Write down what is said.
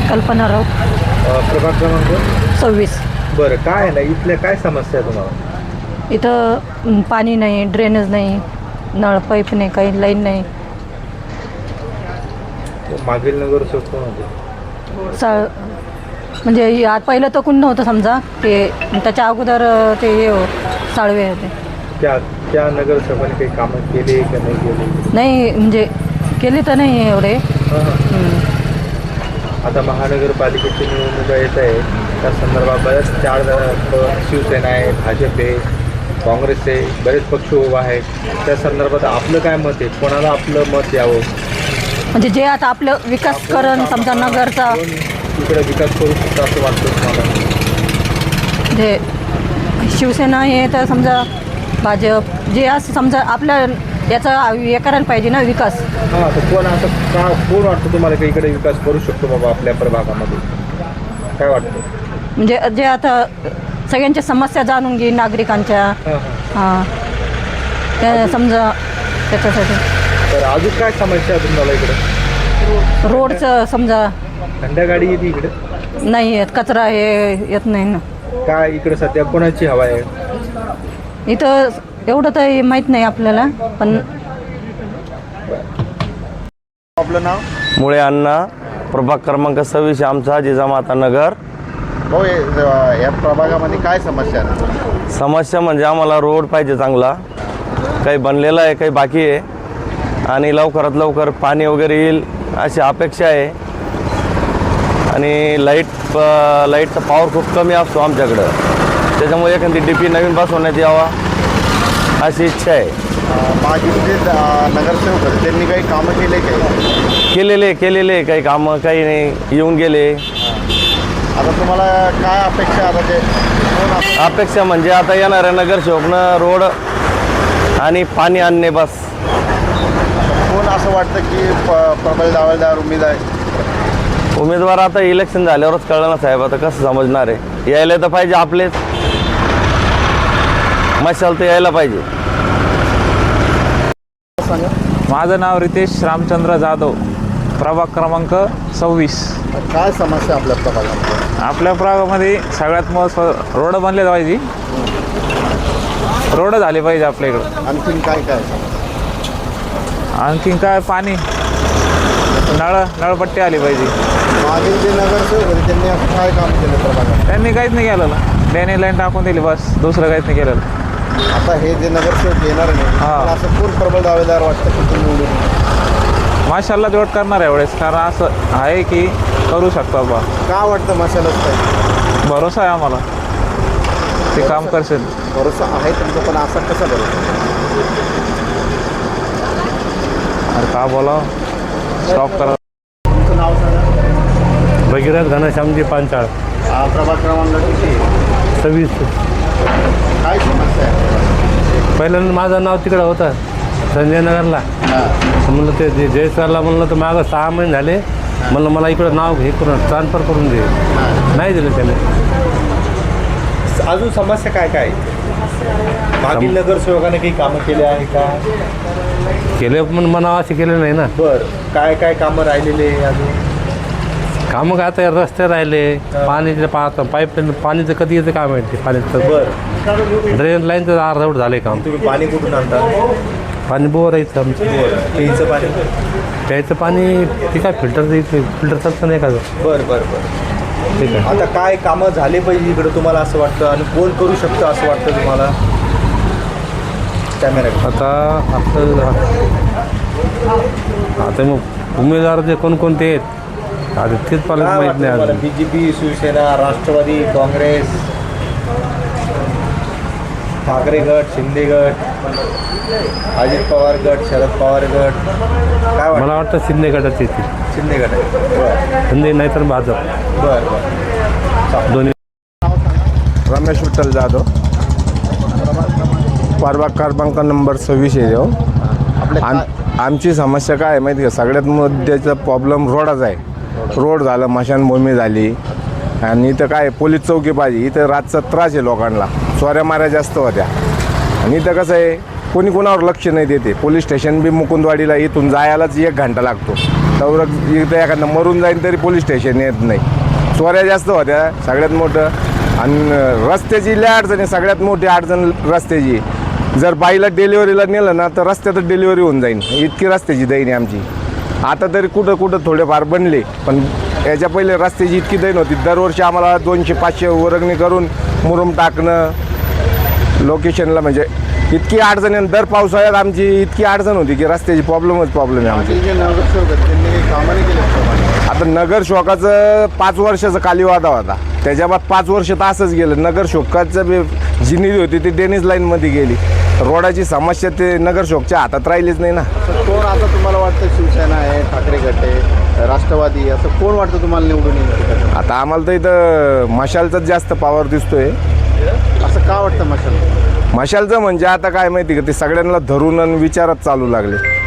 कल्पना राऊत. प्रभाग क्रमांक 26. बरं, काय आहे ना इथल्या काय समस्या आहे तुम्हाला? इथं पाणी नाही, ड्रेनेज नाही, नळ पाईप नाही, काही लाईन नाही. मागील नगरसेवक कोण होते? म्हणजे आज पहिलं तर कोण नव्हतं समजा, ते त्याच्या अगोदर ते साळवे होते. त्या नगरसेवकाने काही कामं केली का नाही केली? नाही म्हणजे केली तर नाही एवढे. आता महानगरपालिकेची निवडणुका येत आहे, त्या संदर्भात बऱ्याच 4 शिवसेना आहे, भाजप आहे, काँग्रेस आहे, बरेच पक्ष उभा आहे. त्या संदर्भात आपलं काय मत आहे? कोणाला आपलं मत द्यावं? म्हणजे जे आता आपलं विकास करण समजा नगरचा, इकडे विकास करू शकतो असं वाटतं तुम्हाला? जे शिवसेना हे तर समजा भाजप जे असं समजा आपल्या याचा हे करायला पाहिजे ना विकास. हां, तर कोण वाटतं तुम्हाला की इकडे विकास करू शकतो बाबा आपल्या प्रभागामध्ये? काय वाटतं? म्हणजे जे आता सगळ्यांच्या समस्या जाणून घे नागरिकांच्या. हां, त्या समजा त्याच्यासाठी. तर अजून काय समस्या आहे तुम्हाला इकडे? रोडचं समजा थंड गाडी येते इकडे? नाही येत, कचरा हे येत नाही ना. काय इकडे सध्या कोणाची हवा आहे? इथं एवढं तर माहीत नाही आपल्याला, पण आपलं नाव? मुळे अण्णा, प्रभाग क्रमांक 26, आमचा जिजामाता नगर. हो, या प्रभागामध्ये काय समस्या आहे? समस्या म्हणजे आम्हाला रोड पाहिजे चांगला, काही बनलेला आहे, काही बाकी आहे, आणि लवकरात लवकर पाणी वगैरे येईल अशी अपेक्षा आहे. आणि लाईटचा पॉवर खूप कमी असतो आमच्याकडं, त्याच्यामुळे एखादी DP नवीन बसवण्यात यावा अशी इच्छा आहे. मागील जे नगरसेवक होते त्यांनी काही कामं केले काय? केलेले काही कामं, काही नाही, येऊन गेले. आता तुम्हाला काय अपेक्षा? आता ते अपेक्षा म्हणजे आता येणाऱ्या नगरसेवकनं रोड आणि पाणी आणणे बस. कोण असं वाटतं की प्रबल दावेदार उमेदवार आता इलेक्शन झाल्यावरच कळलं ना साहेब, आता कसं समजणार आहे? यायला तर पाहिजे आपलेच, मशाल तर यायला पाहिजे. माझं नाव रितेश रामचंद्र जाधव, प्रभाग क्रमांक 26. काय समस्या आपल्या प्रभागामध्ये? आपल्या प्रभागामध्ये सगळ्यात महत्त्वाचं रोड बनले पाहिजे, रोड झाले पाहिजे आपल्या इकडं. आणखीन काय काय? आणखीन काय, पाणी, नळपट्टी आली पाहिजे. मागील जे नगरसेवक होते त्यांनी असं काय काम केलं प्रभागात? त्यांनी काहीच नाही केलेलं, ड्रेनेज लाईन टाकून दिली बस, दुसरं काहीच नाही केलेलं. आता हे जे नगरसेवक येणार नाही, हां. असं कोण प्रबल दावेदार वाटतं की तुम्ही निवडून? माशाल्लाह जोड करणार आहे एवढेच, कारण असं आहे की करू शकतो बा. का वाटतं मशालच काय? भरोसा आहे आम्हाला, ते काम करशील. भरोसा आहे तुमचा, पण असा कसा भरोसा? अरे का बोला, स्टॉप करा. तुमचं नाव सांगा. भगीरथ घनश्यामजी पांचाळ. प्रभाग क्रमांक किती? 26. काय समस्या आहे? पहिल्यांदा माझं नाव तिकडं होतं संजयनगरला. म्हणलं ते जयसरला म्हणलं तर मागं 6 महिने झाले, म्हणलं मला इकडं नाव हे करून ट्रान्सफर करून दे, नाही दिलं त्याने. अजून समस्या काय काय? मागील नगरसेवकाने काही कामं केले आहे का? केले पण म्हणावं असे केले नाही ना. बरं, काय काय कामं राहिलेले अजून? कामं काय, आता रस्ते राहिले, पाणीचे पाईपलाईन, पाणीचं कधी येतं काय माहिती, पाण्याचं. बरं, ड्रेन लाईनचं अर्धवट झाले काम. तुम्ही पाणी कुठून आणता? पाणी बोर यायचं आमचं. प्यायचं पाणी? प्यायचं पाणी ते काय फिल्टर चालतं नाही का? बरं बरं बरं, ठीक आहे. आता काय कामं झाले पाहिजे इकडं तुम्हाला असं वाटतं, आणि कोण करू शकतं असं वाटतं तुम्हाला? कॅमेरा आता मग उमेदवार जे कोणकोणते आहेत आता तेच मला माहीत नाही अजून. BJP, शिवसेना, राष्ट्रवादी, काँग्रेस, ठाकरे गट, शिंदे गट, अजित पवार गट, शरद पवार गट, काय मला वाटतं शिंदे गटाचे येतील. शिंदे गट आहे. बरं शिंदे नाही तर भाजप, बरं बरं. दोन्ही. रमेश विठ्ठल जाधव, प्रभाग क्रमांक नंबर 26 आहे. आपले आमची समस्या काय आहे माहिती का? सगळ्यात मुद्द्याचा प्रॉब्लेम रोडाचा आहे. रोड झालं, स्मशानभूमी झाली, आणि इथं काय पोलीस चौकी पाहिजे. इथं रातचा त्रास आहे लोकांना, चोऱ्या माऱ्या जास्त होत्या. आणि इथं कसं आहे, कोणी कोणावर लक्ष नाही देते. पोलीस स्टेशन बी मुकुंदवाडीला इथून जायलाच 1 घंटा लागतो. तर इथं एखादं मरून जाईन तरी पोलीस स्टेशन येत नाही. चोऱ्या जास्त होत्या सगळ्यात मोठं. आणि रस्त्याची लय अडचण आहे, सगळ्यात मोठी अडचण रस्त्याची. जर बाईला डिलिव्हरीला नेलं ना तर रस्त्यातच डिलिव्हरी होऊन जाईल, इतकी रस्त्याची दैन आहे आमची. आता तरी कुठं कुठं थोडेफार बनले, पण याच्या पहिले रस्त्याची इतकी दैन होती. दरवर्षी आम्हाला 200-500 वर्गणी करून मुरुम टाकणं लोकेशनला, म्हणजे इतकी अडचण आहे. दर पावसाळ्यात आमची इतकी अडचण होती की रस्त्याची प्रॉब्लेम आहे आमची. आता नगरसेवकाचं 5 वर्षाचा कालीवादा होता, त्याच्या बाद 5 वर्ष तर असंच गेलं. नगरसेवकाचं जी निधी होती ती डेनिस लाईनमध्ये गेली. रोडाची समस्या ते नगरसेवकच्या हातात राहिलीच नाही ना. कोण आता तुम्हाला वाटतं, शिवसेना आहे, ठाकरे गट आहे, राष्ट्रवादी, असं कोण वाटतं तुम्हाला निवडून येईल? आता आम्हाला तर इथं मशालचाच जास्त पावर दिसतोय. असं का वाटतं मशाल? मशालचं म्हणजे आता काय माहिती का, ते सगळ्यांना धरून आणि विचारात चालू लागले.